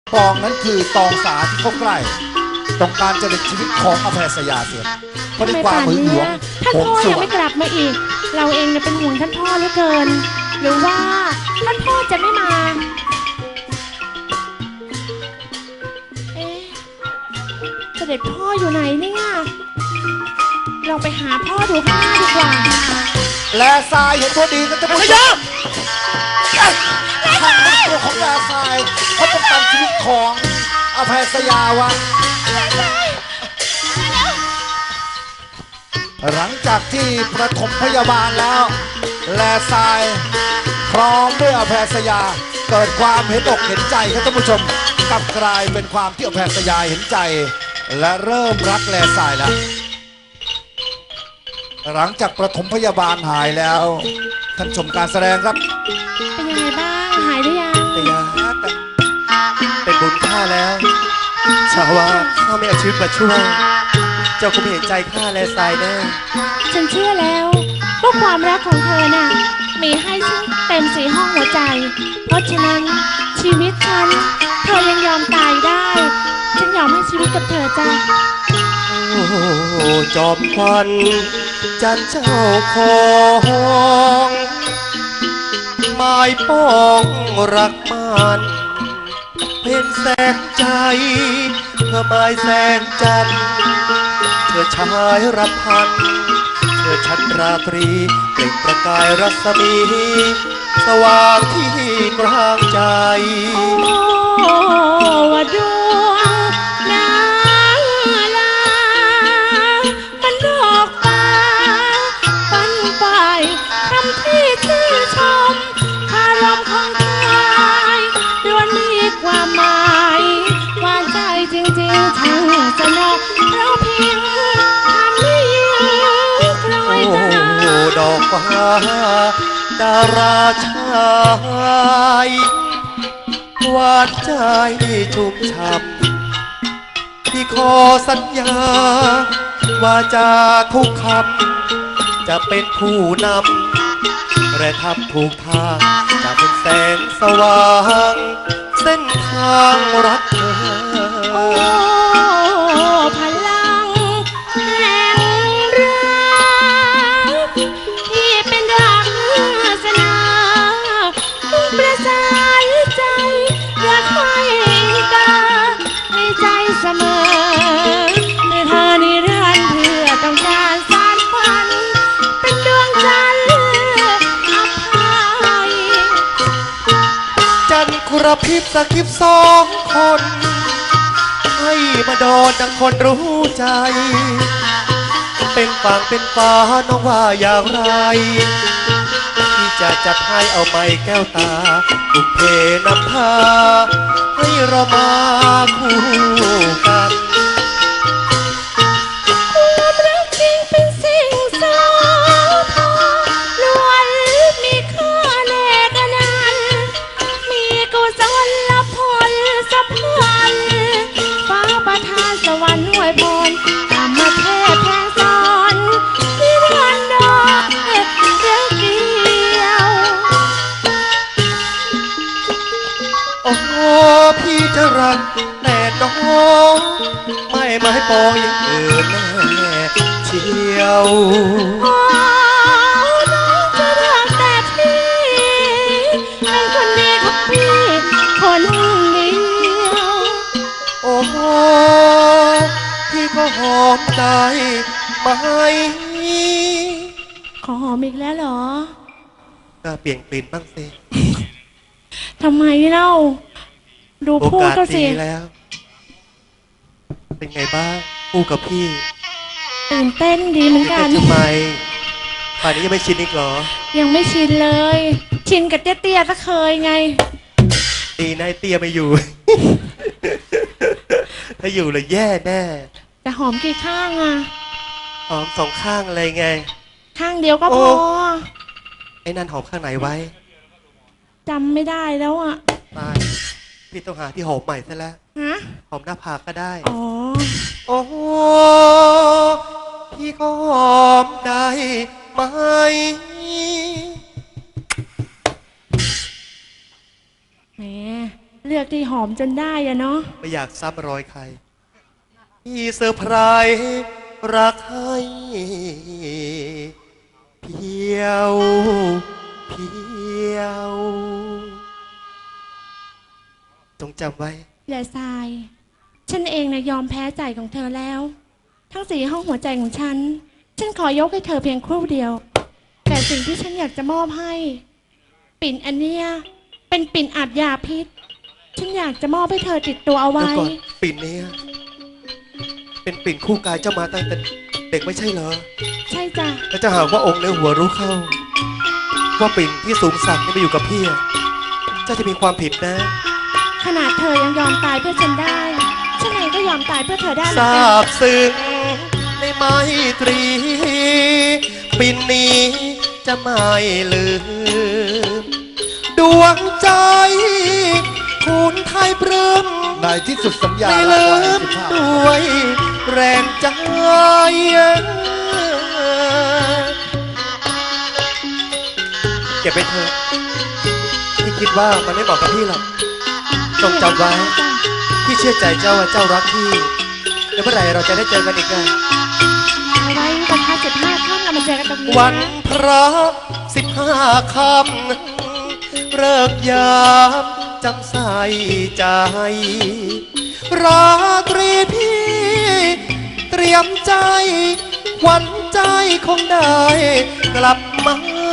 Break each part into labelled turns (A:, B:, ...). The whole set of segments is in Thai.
A: ตองนั้นคือตองสาที่เขาใกล้ต้องการจะเด็ดชีวิตของอภัยสยาเสียเพราะในความหึงหวง
B: ท่าน
A: หวง
B: พ่อ
A: ส
B: ยัง
A: วร
B: ไม่
A: รค์
B: กลับมาอีก เราเองเนี่ยเป็นห่วงท่านพ่อเหลือเกิน หรือว่าท่านพ่อจะไม่มา เอ๊ะเสด็จพ่ออยู่ไหนเนี่ยเราไปหาพ่อดูข้างหน้าดีกว่า
A: และทรายเห็นพอดีก็จะผู้ชมทางตัวของแลทรายเขาป้องกันชีวิตของอภัยสยาไว้หลังจากที่ประถมพยาบาลแล้วแลทรายพร้อมด้วยอภัยสยาเกิดความเห็นอกเห็นใจครับท่านผู้ชมกลับกลายเป็นความที่อภัยสยาเห็นใจและเริ่มรักแลทรายแล้วหลังจากประถมพยาบาลหายแล้วท่านชมการแสดงครับ
B: เป็นยังไงบ้างหายหรือยัง
C: แต่ยาเป็นบุญข้าแล้วชาวว่าข้าไม่เอาชีวิตมาช่วยเจ้าคงเห็นใจข้าและทรายแน่
B: ฉันเชื่อแล้วว่าความรักของเธอน่ะมีให้ฉันเต็มสีห้องหัวใจ เพราะฉะนั้นชีวิตฉันเธอยังยอมตายได้ ฉันยอมให้ชีวิตกับเธอจ้ะ
C: โอ้จอมควันจันเจ้าของหมายป้องรักมันเพ่นแสงใจเธอหมายแสงจันทร์เธอชายรำพันเธอชั้นราตรีเปล่งประกายรัศมีสว่างที่กลางใจ
B: โอ้ว่าดวงนางลามันดอกฟ้าปันไปทำที่ชื่นชมคารมของชายล้วนมีความหมายหวานใจจริงๆช่างสนอเพราะเพียงทำให้ยืนกลอยตา
C: โอ้ดอกฟ้าดาราชายหวานใจชุ่มช่ำที่ขอสัญญาว่าจากทุกคำจะเป็นผู้นำและทำถูกทางจะเป็นแสงสว่างเส้นทางรักเธอ
B: โอ้พลังแห่งรักที่เป็นรักศาสนาประสานใจรักไว้ตาในใจเสมอในเธอนิรันดร์เพื่อต้องการสานฝันเป็นดวงจันทร์อภัย
C: จันทร์กระพริบสะกิบสองคน ให้มาโดนดังคนรู้ใจ เป็นฝั่งเป็นฟ้าน้องว่าอย่างไร ที่จะจัดให้เอาไม้แก้วตาบุกเพนำพา ให้เรามาคู่กัน
B: ความรักจริงเป็นสิ่งสำคัญล้วนมีค่าแลกกันนั้นมีกุศลผลสัพพันฟ้าประทานสวรรค์อวยพรธรรมเทพแทงสอนนิรันดร์รักเดียว
C: โอ้พี่จะรักแต่น้องไม่ปองอย่างอื่นแน่เชียว
B: โอ้น้องจะรักแต่พี่เป็นคนดีของพี่คนเดียว
C: โอ้โหพี่ก็หอมใจไหม
B: ขอหอมอีกแล้วเหรอ
C: ก็เปลี่ยนกลิ่นบ้างสิ
B: ทำไมเล่า ดู
C: โอ
B: พูด
C: กาส
B: ก็สิ
C: ดีแล้ว เป็นไงบ้างคู่กับพี่
B: ตื่นเต้นดีเหมือน
C: ตื่น
B: กั
C: เต้
B: น
C: นทำไมป่านนี้ยังไม่ชินอีกเหรอ
B: ยังไม่ชินเลย ชินกับเตี้ยๆก็เคยไง
C: ดีนายเตี้ยไม่อยู่ ถ้าอยู่เลยแย่แน่
B: จะหอมกี่ข้างอะ
C: หอมสองข้างอะไรไง
B: ข้างเดียวก็พ
C: โอ้
B: อ
C: ไอ้นั่นหอมข้างไหนไว้
B: จำไม่ได้แล้วอะ
C: ตายพี่ต้องหาที่หอมใหม่ซะแล้ว
B: ฮะ
C: หอมหน้าผากก็ได้
B: อ๋อ
C: โอ้โหพี่ก็หอมได้ไหม
B: แหมเลือกที่หอมจนได้อะเนาะ
C: ไม่อยากซ้ำรอยใครพี่เซอร์ไพรส์รักให้เพียวเพียวจงจำไว้
B: แย่ทราย ฉันเองนะยอมแพ้ใจของเธอแล้ว ทั้งสี่ห้องหัวใจของฉัน ฉันขอยกให้เธอเพียงครู่เดียว แต่สิ่งที่ฉันอยากจะมอบให้ ปิ่นอันเนี้ยเป็นปิ่นอัดยาพิษ ฉันอยากจะมอบให้เธอติดตัวเอา
C: เดี๋ยว
B: ไว้
C: ก่อนปิ่นเนี้ยเป็นปิ่นคู่กายเจ้ามาตั้งแต่เด็กไม่ใช่เหรอ
B: ใช่จ้ะ
C: แล้วจะหากว่าองค์ในหัวรู้เข้า ว่าปิ่นที่สูงสักดิ์นี่มาอยู่กับพี่อะเจ้าจะมีความผิดนะ
B: ขนาดเธอยังยอมตายเพื่อฉันได้ ฉันเองก็ยอมตายเพื่อเธอได้เหมื
C: ท
B: อน
C: รา
B: กัน
C: บซึ้งในไมตรี ปิ่นนี้จะไม่ลืม ดวงใจคุณไทยปลื้ม
A: ในที่สุดสัญญา
C: ไม่
A: รัก
C: ลื
A: ไว้
C: ม
A: 15
C: ด้วยแรงใจเก็บไปเถอะพี่คิดว่ามันไม่เหมาะกับพี่หรอกจงจำไว้ พี่เชื่อใจเจ้าว่าเจ้ารักพี่แล้วเมื่อไหร่เราจะได้เจอกันอีกกัน
B: เอาไว้วันพระ15 ค่ำเรามาเจอกันตรงนี้
C: วันพระ15 ค่ำเลิกยามจำใส่ใจ ราตรีพี่เตรียมใจขวัญใจคงได้กลับมา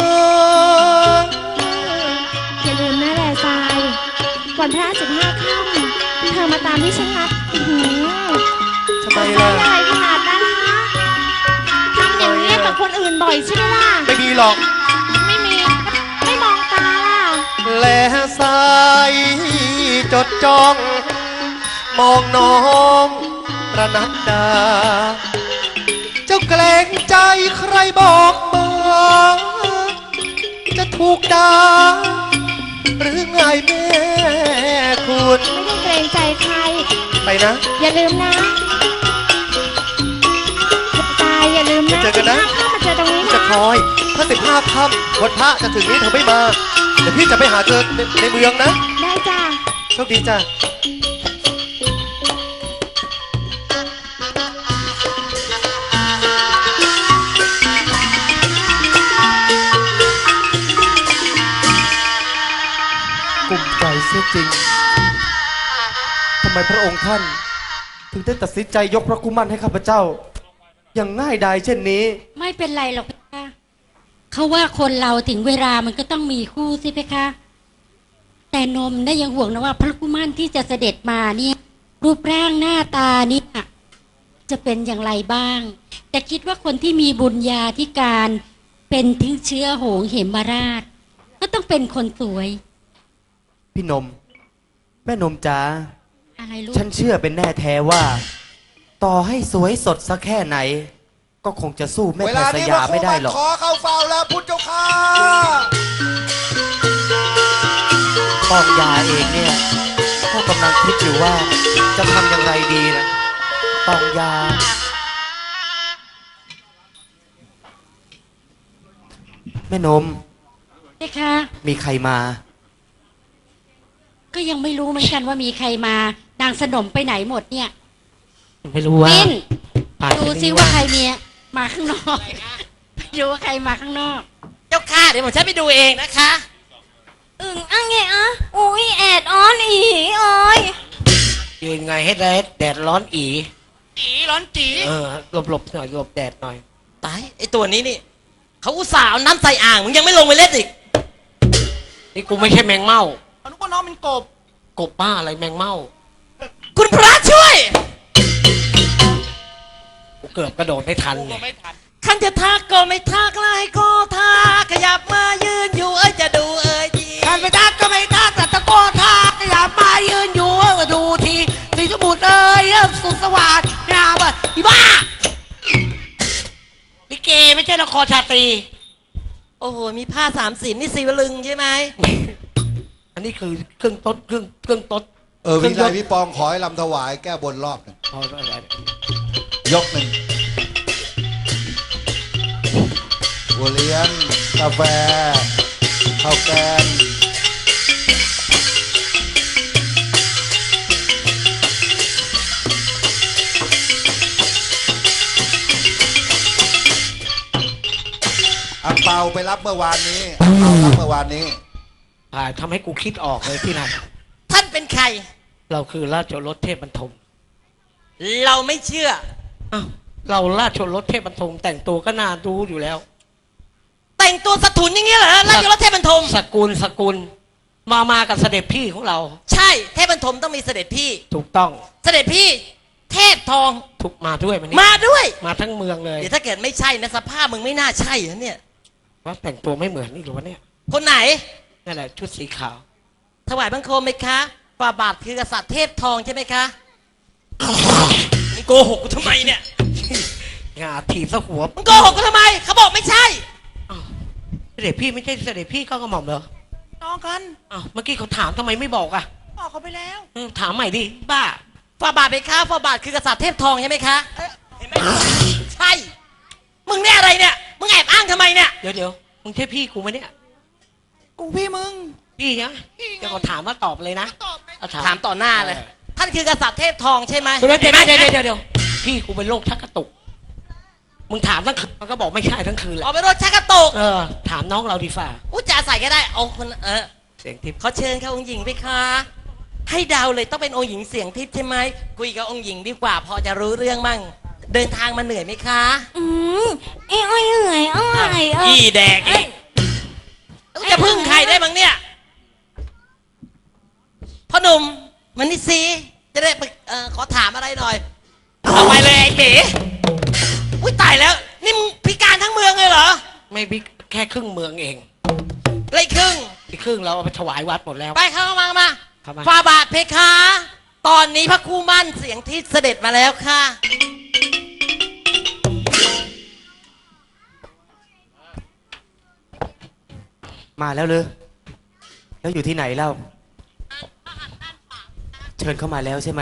B: อย่าลืมนะแลทราย วันพระ15 ค่ำเธอมาตามที่ฉันนัดอื้อหือ
C: ทำไม
B: ใจ
C: ล่ะ
B: ใหญ่ขนาดนั้นฮะทำอย่างนี้กับคนอื่นบ่อยใช่ไหมล่ะ
C: ไม่มีหรอก
B: ไม่มี ไม่มองตาล่ะ
C: และสายจดจ้อง มองน้องประนัดดา เจ้าเกรงใจใครบอกมาจะถูกด่าหรือไงแม่คุณ
B: ไม่ได้เกรงใจใคร
C: ไปนะ
B: อย่าลืมนะตายอย่าลืมนะ
C: เจอกันนะ
B: 15 ค่ำมาเจอตรงนี้
C: จะ
B: นะ
C: คอยถ้า15 ค่ำวันพระจะถึงนี้เธอไม่มา เดี๋ยวพี่จะไปหาเธอในเมืองนะ
B: ได้จ้ะ
C: โชคดีจ้ะ
D: กลุ่มใจเสียจริง ทำไมพระองค์ท่าน ถึงได้ตัดสินใจยกพระกุมันให้ข้าพเจ้า อย่างง่ายดายเช่นนี้
E: ไม่เป็นไรหรอกเพคะเขาว่าคนเราถึงเวลามันก็ต้องมีคู่สิเพคะ แต่นมได้ยังห่วงนะว่าพระกุมารที่จะเสด็จมาเนี่ย รูปร่างหน้าตาเนี่ยจะเป็นอย่างไรบ้าง แต่คิดว่าคนที่มีบุญญาธิการเป็นถึงเชื้อโหงเหมราช ก็ต้องเป็นคนสวย
D: พี่นม แม่นมจ๋า
E: อะไรลูก
D: ฉันเชื่อเป็นแน่แท้ว่า ต่อให้สวยสดสักแค่ไหน ก็คงจะสู้แม่
A: เว
D: แพ
A: ลา
D: ทย์ส
A: นี้
D: ยาไม่ได้หรอก
A: ขอเข้าเฝ้าแล้วพุทธเจ้าค่ะ
D: ปองยาเองเนี่ยก็กำลังคิดอยู่ว่าจะทำอย่างไรดีนะปองยา แม่นม
E: เพคะ
D: มีใครมา
E: ก็ยังไม่รู้เหมือนกันว่ามีใครมา นางสนมไปไหนหมดเนี่ย
F: ไม่รู้ว่า
E: ปิ้น
F: ป่าน
E: ดู
F: นี้
E: ซิว่าใครมีมาข้างนอกไปดูว่าใครมาข้างนอก
F: เจ้าค่ะเดี๋ยวผมฉันไปดูเองนะคะ
B: อึ่งอ่ะไงอ่ะอุ้ยแอดออนอีโอ้ย
F: ยืนไงให้แดดร้อนอีร้อนจีหลบหน่อยหลบแดดหน่อยตายไอตัวนี้นี่เขาอุตส่าห์เอาน้ำใส่อ่างมึงยังไม่ลงไปเล่นอีกนี่กูไม่ใช่แมงเม่าอนุก็น้องเป็นกบบ้าอะไรแมงเม่าคุณพระช่วยกูเกือบกระโดดไม่ทันเลยขันจะทักก็ไม่ทักไล่ก็ทักขยับมายืนอยู่จะดูทีขันไม่ทักก็ไม่ทักแต่ตะโกนทักขยับมายืนอยู่ดูทีสีสมุทรสุดสวัสดิ์งามอ่ะอีบ้าลิเกไม่ใช่ละครชาตรีโอ้โหมีผ้าสามสีนี่สีวลึงใช่ไหมอันนี้คือเครื่องต้นเครื่องต้น
A: วิไลพี่ปองขอให้ลำถวายแก้บนรอบหนึ่งยกหนึ่งบัวเลี้ยงกาแฟข้าวแกงอังเปาไปรับเมื่อวานนี้อังเปารับเมื่อวานนี้
F: ทำให้กูคิดออกเลยพี่นัน
G: ท่านเป็นใคร
F: เราคือราชโอรสเทพบรรทม
G: เราไม่เชื่อ
F: อ้าวเราราชโอรสเทพบรรทมแต่งตัวก็น่าดูอยู่แล้ว
G: แต่งตัวสถุนอย่างเงี้ยเหรอราชรถเทพบรรทม
F: สกุลมากับเสด็จพี่ของเรา
G: ใช่เทพบรรทมต้องมีเสด็จพี่
F: ถูกต้อง
G: เสด็จพี่เทพทอง
F: ทุกมาด้วยมันนี่
G: มาด้วย
F: มาทั้งเมืองเลย
G: เดี๋ยวถ้าเกิดไม่ใช่นะสภาพมึงไม่น่าใช่นะเนี่ย
F: ว่าแต่งตัวไม่เหมือนนี่หรือวะเนี่ย
G: คนไหน
F: นั่นแหละชุดสีขาว
G: ถวายบังคมไหมคะฝ่าบาทคือกษัตริย์เทพทองใช่ไหมคะมึงโกหกกูทำไมเนี่ย
F: งาถีบซะหัว
G: มึงโกหกกูทำไมเขาบอกไม่ใช่
F: เสด็จพี่ไม่ใช่เสด็จพี่ก็กระหม่อมเหรอ
G: น้องกัน
F: อ้าวเมื่อกี้เขาถามทำไมไม่บอกอ่ะ
G: บอกเขาไปแล้ว
F: ถามใหม่ดิบ้า
G: ฝ่าบาทไหมคะฝ่าบาทคือกษัตริย์เทพทองใช่ไหมคะเห็นไหมใช่ มึงเนี่ยอะไรเนี่ย มึงแอบอ้างทำไมเนี่ย
F: เดี๋ยวมึงใช่พี่กูไหมเนี่ย
G: กูพี่มึง
F: พี่นะเดี๋ยวเขาถามว่าตอบเลยนะเอ
G: ถามต่อหน้าเลย ท่านคือกษัตริย์เทพทองใช่ไหม
F: เดี๋ยวพี่กูเป็นโรคชักกระตุก มึงถามทั้งคืนมันก็บอกไม่ใช่ทั้งคืนแหละ
G: ออกไปรถชักกระตก
F: ถามน้องเราดีฝ่า
G: อู้จ่าใส่ก็ได้เอาคน
F: เสียงทิพย์
G: เขาเชิญเขาองค์หญิงไปคะให้เดาเลยต้องเป็นองค์หญิงเสียงทิพย์ใช่ไหมคุยกับองค์หญิงดีกว่าพอจะรู้เรื่องมั่งเดินทางมาเหนื่อยไหมคะ
B: เอ้ยเอ้ยเอ้ย
G: อีแดกอีกแล้วจะพึ่งใครได้บ้างเนี่ยพ่อหนุ่มมันนี่ซีจะได้ไปขอถามอะไรหน่อยเอาไปเลยไอ้เก๋อุ้ยตายแล้วนี่มึงพิการทั้งเมืองเลยเหรอ
F: ไม่บิ๊กแค่ครึ่งเมืองเอง
G: ไรครึ่ง
F: อีกครึ่งเราเอาไปถวายวัดหมดแล้ว
G: ไปเข้ามา
F: เข้ามา
G: ฟาบาทเพคะ ตอนนี้พระครู่มั่นเสียงที่เสด็จมาแล้วค่ะ
D: มาแล้วเลยแล้วอยู่ที่ไหนเล่า เชิญเข้ามาแล้วใช่ไหม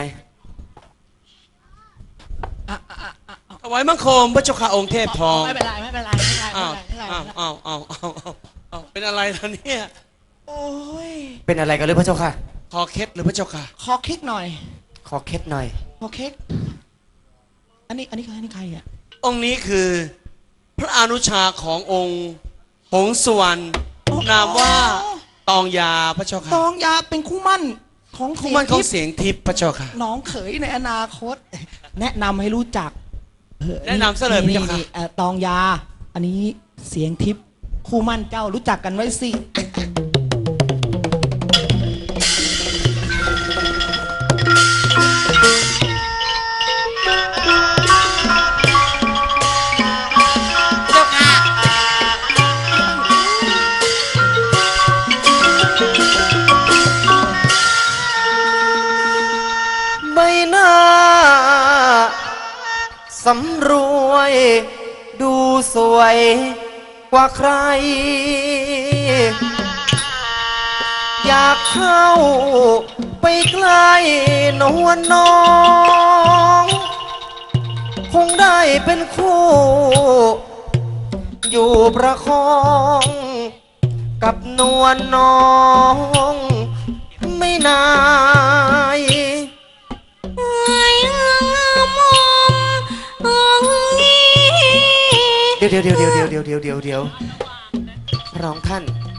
H: ถวายบังคมพระเจ้าค่ะองค์เทพทอง
G: ไม่เป็นไรไม่เป็นไรไม่เป็นไร
H: อ้าว
G: ไม่เป็นไร
H: อ้าวเป็นอะไรล่ะเนี่ย
G: โอ้ย
D: เป็นอะไรกันหรือพระเจ้าค่ะ
H: คอเคล็ดหรือพระเจ้าค่ะ
G: ขอคลิกหน่อย
D: ขอเคล็ดหน่อย
G: ขอคลิกอันนี้ใครอ่ะ
H: องค์นี้คือ พระอนุชาขององค์หงสวรรณนามว่าตองยาพระเจ้าค่ะ
G: ตองยาเป็นคู่มั่นของ
H: คู่มั่นของเสียงทิพย์พระเจ้าค่ะ
G: น้องเขยในอนาคต แนะนำให้รู้จัก
H: แนะนำซะเลยพระเจ้าค่ะ
G: ตองยา อันนี้เสียงทิพย์คู่มั่นเจ้ารู้จักกันไว้สิ เจ้าค่ะ
C: ใบหน้าสำรวย ดูสวยกว่าใคร อยากเข้าไปใกล้นวลน้อง คงได้เป็นคู่ อยู่ประคอง กับนวลน้อง ไม่นาย เดี๋ยวพระน้องท่าน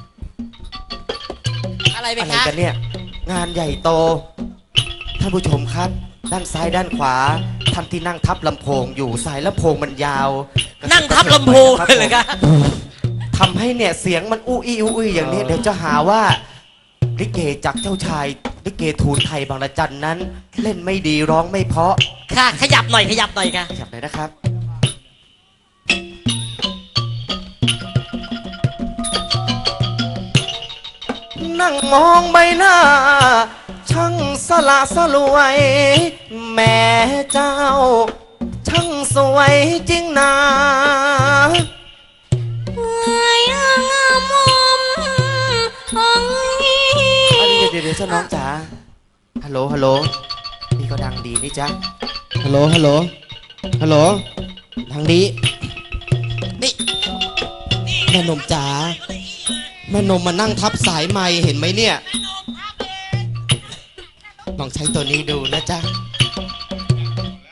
G: อะไรไป
C: อะไร
G: คะ
C: กันเนี่ย งานใหญ่โต ท่านผู้ชมครับ ด้านซ้ายด้านขวาท่านที่นั่งทับลำโพงอยู่สายลำโพงมันยาว
G: นั่งทับลำโพงเลยเหรอคะ
C: ทำให้เนี่ยเสียงมันอู้อี้อู้อี้อย่างนี้เดี๋ยวจะหาว่าลิเกจากเจ้าชายลิเกทูลไทยบางระจันนั้น เล่นไม่ดีร้องไม่เพราะ
G: ค่ะ ขยับหน่อยค่ะ
C: ขยับหน่อยนะครับ นั่งมองใบหน้า ช่างสละสลวย แม่เจ้า ช่างสวยจริงนะเดี๋ยวเจ้าน้องจ๋าฮัลโหลนี่ก็ดังดีนี่จ๊ะฮัลโหลทางนี้นี่แม่นมจ๋าแม่นมมานั่งทับสายไม้เห็นไหมเนี่ยลองใช้ตัวนี้ดูนะจ๊ะ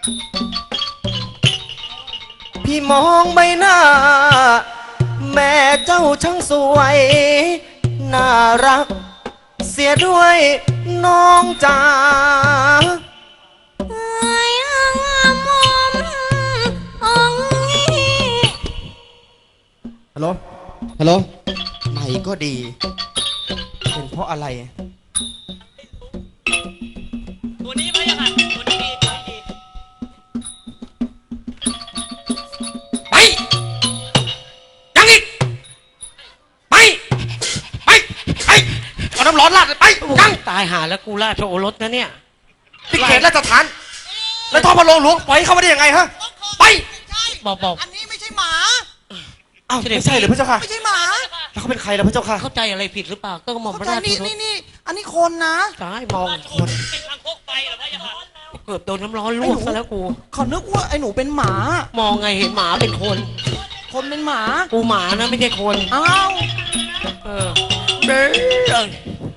C: พี่มองใบหน้า แม่เจ้าช่างสวย น่ารัก เสียด้วยน้องจ๋า
B: เอ้ยมอมองนี้
D: ฮัลโหล ฮัลโหลไหนก็ดี เป็นเพราะอะไร
G: ตัวนี้ไม่ยังไงตัวนี้ดีตัวนี้ดีไปยังอีกไปเอาน้ำร้อนราดเลยไปยังตายหาแล้วกูราชโอรสนะเนี่ย
C: ที่เขตราชฐาน แล้วท่อพระโรงหลวงปล่อยให้เข้ามาได้ยังไงฮะ
G: ไป
I: บอก
G: บอก
I: อันนี้ไม่ใช่หมา
C: อ้าวไม่ใช่เหรือพระเจ้าค่ะ
I: ไม่ใช่หมา
C: แล้วเขาเป็นใครล่ะพระเจ้าค่ะ
G: เข้าใจอะไรผิดหรือเปล่าก็หม่อมพ
I: เข้า
G: ระ
I: ใจ
G: ราช
I: นี่
G: โอรส
I: นี่อันนี้คนนะ
G: ตายมองคนเกือบโดนน้ำร้อนลวกซะแล้วกู
I: เขานึกว่าไอ้หนูเป็นหมา
G: มองไงเห็นหมาเป็นคน
I: คนเป็นหมา
G: กูหมานะไม่ใช่คน
I: อ้าว
G: เออเด้อ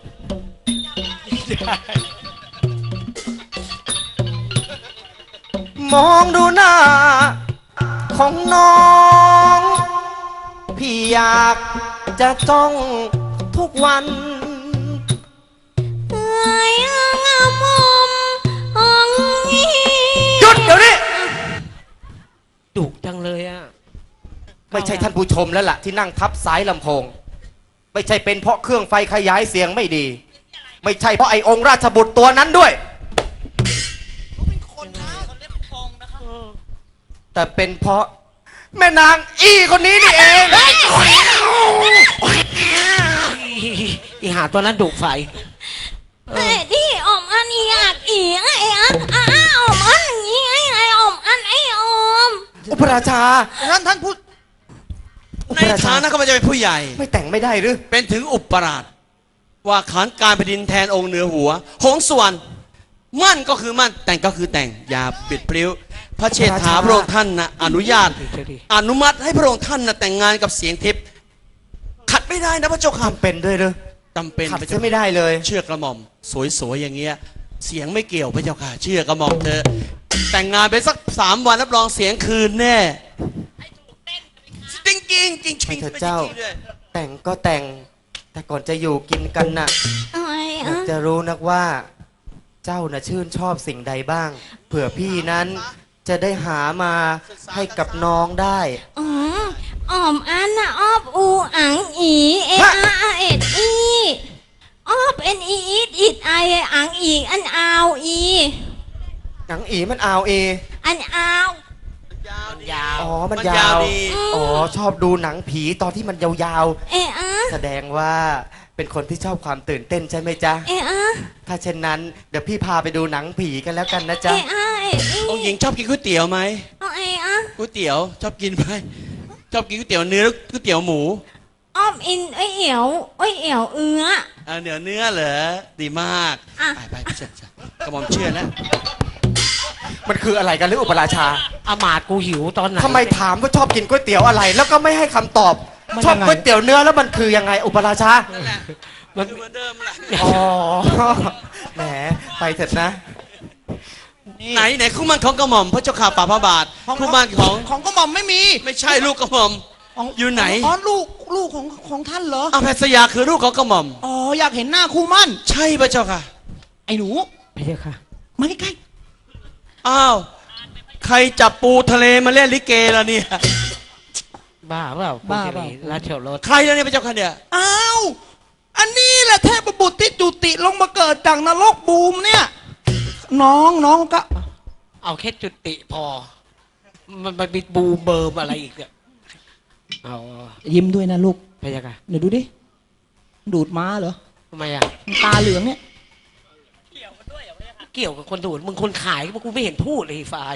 C: มองดูหน้า ของน้อง พี่อยากจะจ้องทุกวัน
B: เอ้ยมอมองนี้
C: หยุดเดี๋ยวนี้
G: ดุจังเลยอ่ะ
C: ไม่ใช่ท่านผู้ชมแล้วล่ะที่นั่งทับสายลำโพง ไม่ใช่เป็นเพราะเครื่องไฟขยายเสียงไม่ดี ไม่ใช่เพราะไอ้องค์ราชบุตรตัวนั้นด้วย
I: คนนะคนเล่นฟองนะคะ
C: แต่เป็นเพราะแม่นางอี้คนนี้นี่เอง
G: อีหาตัวนั้นดุไฟ
B: เอ้ยที่อมอันอีอักอีไอ้อมอันนี้ไอ้อมอันไอ้อม
C: อุปราชา
I: ท่านพูด
C: อุ
H: ใน
C: ปราชา
H: ฐานะเขาจะเป็นผู้ใหญ่
C: ไม่แต่งไม่ได้หรือ
H: เป็นถึงอุปราชว่าขานการแผ่นดินแทนองค์เหนือหัว หงสวรรณมั่นก็คือมั่นแต่งก็คือแต่งอย่าปิดพลิ้วพระเชษฐาพระองค์ท่านนะอนุญาต อนุมัติให้พระองค์ท่านนะแต่งงานกับเสียงทิพย์ขัดไม่ได้นะพระเจ้าค่ะ
C: ทำเป็นด้วยหรือ
H: จำเป็น
C: ขัด
H: พระ
C: จะ
H: เจ้า
C: ไม่ได้เลย
H: เชื่อกระหม่อมสวยๆอย่างเงี้ยเสียงไม่เกี่ยวพระเจ้าค่ะ เชื่อกระหม่อมเธอแต่งงานไปสัก3 วันรับรองเสียงคืนแน่จริงจริงๆจริงๆ
C: ไม่เถอะ
H: ไม่ใช่
C: เจ้า
H: จริงด้วย
C: แต่งก็แต่ง แต่ก่อนจะอยู่กินกันน่ะ
B: ไอ้
C: อยากจะรู้นักว่า เจ้าน่ะชื่นชอบสิ่งใดบ้าง เผื่อพี่นั้นจะได้หามาให้กับน้องได้
B: อมอันน่ะออบอูอังอีเออาเอ็ดอีออบเอ็นอีอิดไออังอีอันอาวอี
C: หนังอีมันเอาเอ
B: อันอาว
G: ยาว
C: อ๋อ มัน
H: มัน
C: ยาย
H: าว
C: ว
H: ดี
C: อ๋อ ชอบดูหนังผีตอนที่มันยาว
B: เออา
C: ๆ แสดงว่าเป็นคนที่ชอบความตื่นเต้นใช่ไหมจ๊ะ
B: เออา
C: ถ้าเช่นนั้นเดี๋ยวพี่พาไปดูหนังผีกันแล้วกันนะ
B: เอ
C: จ๊ะ
B: อาเอ็ดอี
H: องค์หญิงชอบกินก๋วยเตี๋ยวไหม
B: เอาเออา
H: ก๋วยเตี๋ยวชอบกินไหมชอบกินก๋วยเตี๋ยวเนื้อหรือก๋วยเตี๋ยวหมู
B: ออบอินไอเอี่ยวไอเอี่ยวเอื้อ
H: เนื้อเหรอดีมาก
B: อ่ะ
H: ไปเชื่อกระหม่อมเชื่อแล้ว
C: มันคืออะไรกันหรืออุปราชา
G: อามาตย์กูหิวตอนไหน
C: ทำไมถามว่าชอบกินก๋วยเตี๋ยวอะไร แล้วก็ไม่ให้คำตอบ ชอบก๋วยเตี๋ยวเนื้อแล้วมันคือยังไงอุปราชา
H: มันเหมือนเดิมแหละ
C: อ๋อ แหม ไปเถอะนะ
H: ไหนคู่มั่นของกระหม่อมพระเจ้าข่าป่าพระบาทคู่มั่นของ
I: กระหม่อมไม่มี
H: ไม่ใช่ลูกกระหม่อม อยู่ไหน
I: อ๋อลูกของท่านเหรอ
H: อาแพทยาคือลูกของกระหม่อม
I: อ๋ออยากเห็นหน้าคู่มั่น
H: ใช่พระเจ้าค่ะ
I: ไอ้หนู
G: ไม่ใช่ค่ะ
I: มาใกล้
H: อ้าวใครจับปูทะเลมาเล่นลิเกล่ะเนี่ย
G: บ้าเปล่า
I: บ้า
G: คุณ
I: เปล่า
G: สิริราชโอรส
H: ใครล่ะเนี่ยพระเจ้าค่ะเนี่ย
I: ๆอ้าวอันนี้แหละเทพบุตรที่จุติลงมาเกิดจากนรกบูมเนี่ย น้องก็
G: เอาแค่จุติพอ มันมีบูมเบิร์มอะไรอีกเนี่ยเอา
I: ยิ้มด้วยนะลูก
G: พะยะค่ะ
I: เดี๋ยวดูดิดูดม้าเหรอ
G: ทำไมอ่ะ
I: ตาเหลืองเนี่ย
G: เกี่ยวกับคนดูดมึงคนขายกูไม่เห็นพูดเลยไอ้ฝ่าย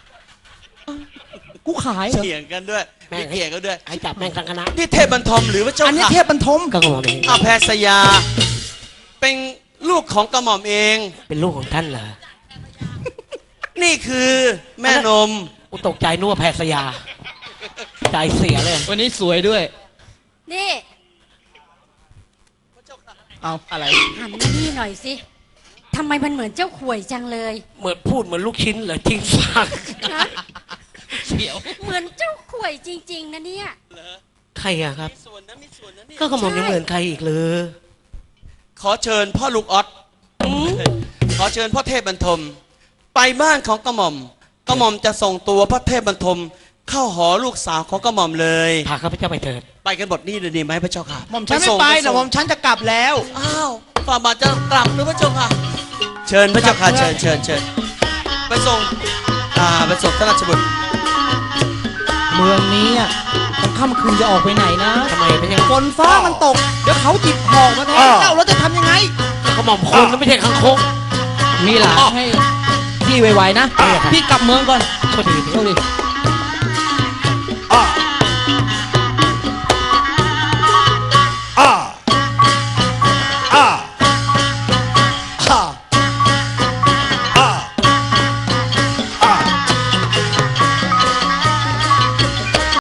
I: กูขายเหรอ
H: เถียงกันด้วย
G: แม่ง
H: มีเถียงกันด้วย
G: ให้จับแม่งทั้งคณะ
H: นี่เทพบรรทมหรือพระเจ้า
I: อันนี้
H: ค่ะ
I: เทพบรรทม
G: ก็กระหม่อมเอง
H: อาแพทยา เป็นลูกของกระหม่อมเอง
G: เป็นลูกของท่านเหรอ
H: นี่คือแม่นม
G: กูตกใจนึกว่าแพทยา ใจเสียเลย
I: วันนี้สวยด้วย
B: นี่
I: เอาอะไร
E: หันมานี่หน่อยสิทำไมมันเหมือนเจ้าข่วยจังเลย
G: เหมือนพูดเหมือนลูกชิ้นเหรอทิ้งฝาก
E: ฮะเหมือนเจ้าข่วยจริง ๆนะเนี่ย
G: ค
F: รอะครับ
H: ส่วนนะมีส่วนนะนี่
F: ก็กระหม่อมยังเหมือนใครอีกเลย
H: ขอเชิญพ่อลูกออสขอเชิญพ่อเทพบรรทม ไปบ้านของกระหม่อม กระหม่อมจะส่งตัวพระเทพบรรทม เข้าหอลูกสาวของกระหม่อมเลย
F: พาข้าพเจ้าไปเถิด
H: ไปกันบทนี้เลยดีไหมพระเจ้าค่ะ
I: หม่อมฉันไม่ไปแต่หม่อมฉันจะกลับแล้ว
H: อ้าวฝ่าบาทจะกลับหรือพระเจ้าค่ะ เชิญพระเจ้าค่ะเชิญไปส่งไปส่งท่านราชบุตร
I: เมืองนี้อ่ะมันค่ำคืนจะออกไปไหนนะ
F: ทำไมเป็นยังไง
I: ฝนฟ้ามันตก เดี๋ยวเขาจิบหอกมาแทนเจ้าแล้วจะทำยังไง
F: กระหม่อมคนก็ไม่ใช่คังคก
I: มีหลานให้พี่ไวๆนะ พี่กลับเมืองก่อน
F: โทษที
I: โทษดิ